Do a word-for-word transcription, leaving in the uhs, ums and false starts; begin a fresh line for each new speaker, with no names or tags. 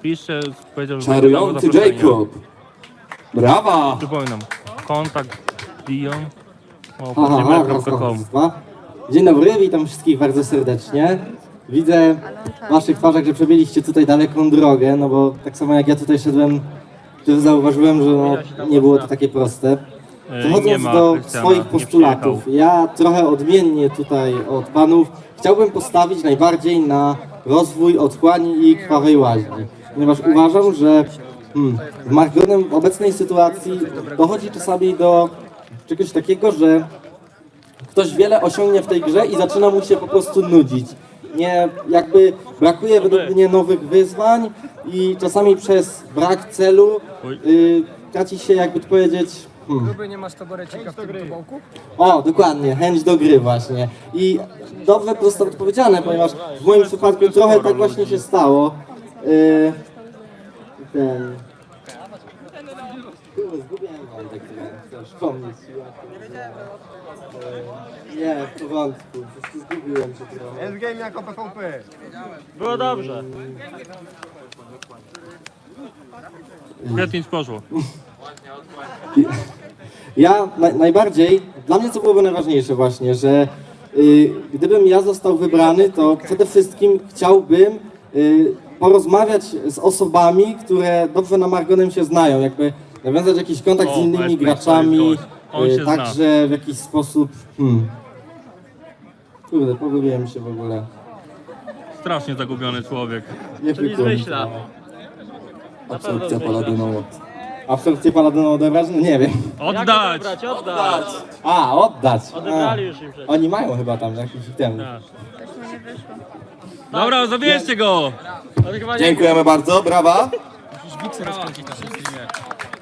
Piszcie, powiedział, że będzie
Czarujący
zaproszenie.
Jacob. Brawa!
Przypominam, kontakt Dion
Aha, aha,
gmail
raz,
kropka com.
raz, dwa. Dzień dobry, witam wszystkich bardzo serdecznie. Widzę w waszych twarzach, że przebyliście tutaj daleką drogę, no bo tak samo jak ja tutaj szedłem, to zauważyłem, że no, nie było to takie proste.
E, nie
Przechodząc
ma
do
Krystiana,
swoich
nie
postulatów,
przyjechał.
ja trochę odmiennie tutaj od panów chciałbym postawić najbardziej na rozwój otchłani i krwawej łaźni, ponieważ uważam, że hmm, w Margonem w obecnej sytuacji dochodzi czasami do czegoś takiego, że ktoś wiele osiągnie w tej grze i zaczyna mu się po prostu nudzić. Nie, jakby brakuje według mnie nowych wyzwań i czasami przez brak celu y, traci się, jakby to powiedzieć, hmm.
Gruby, nie masz taborecika w tym tobołku?
O, dokładnie, chęć do gry właśnie. I dobrze prosto odpowiedziane, ponieważ w moim przypadku trochę tak właśnie się stało. Y, ten... Kurde, zgubiłem wątek, który chcę przypomnieć. Y, Nie, w porządku, po prostu zgubiłem się trochę.
Endgame jako P V P.
Było dobrze.
Świetnie nic poszło.
Ja na, najbardziej, dla mnie co byłoby najważniejsze właśnie, że y, gdybym ja został wybrany, to przede wszystkim chciałbym y, porozmawiać z osobami, które dobrze na Margonem się znają, jakby nawiązać jakiś kontakt
O,
z innymi
Westbrook,
graczami,
to jest gość. On
y,
się zna.
także w jakiś sposób, hmm. Kurde, pogubiłem się w ogóle.
Strasznie zagubiony człowiek.
Nie
Czyli
wykluczam.
zmyśla.
Absorpcja paladynowa. Absorpcję paladynową odebrać? No nie wiem.
Oddać!
Oddać, oddać.
A, oddać.
Odebrali
A.
już im przecież.
Oni mają chyba tam jakiś ten.
Tak. Dobra, zabierzcie go!
On chyba nie
Dziękujemy bardzo, brawa.
Musisz wiksy rozkręcić na tym streamie.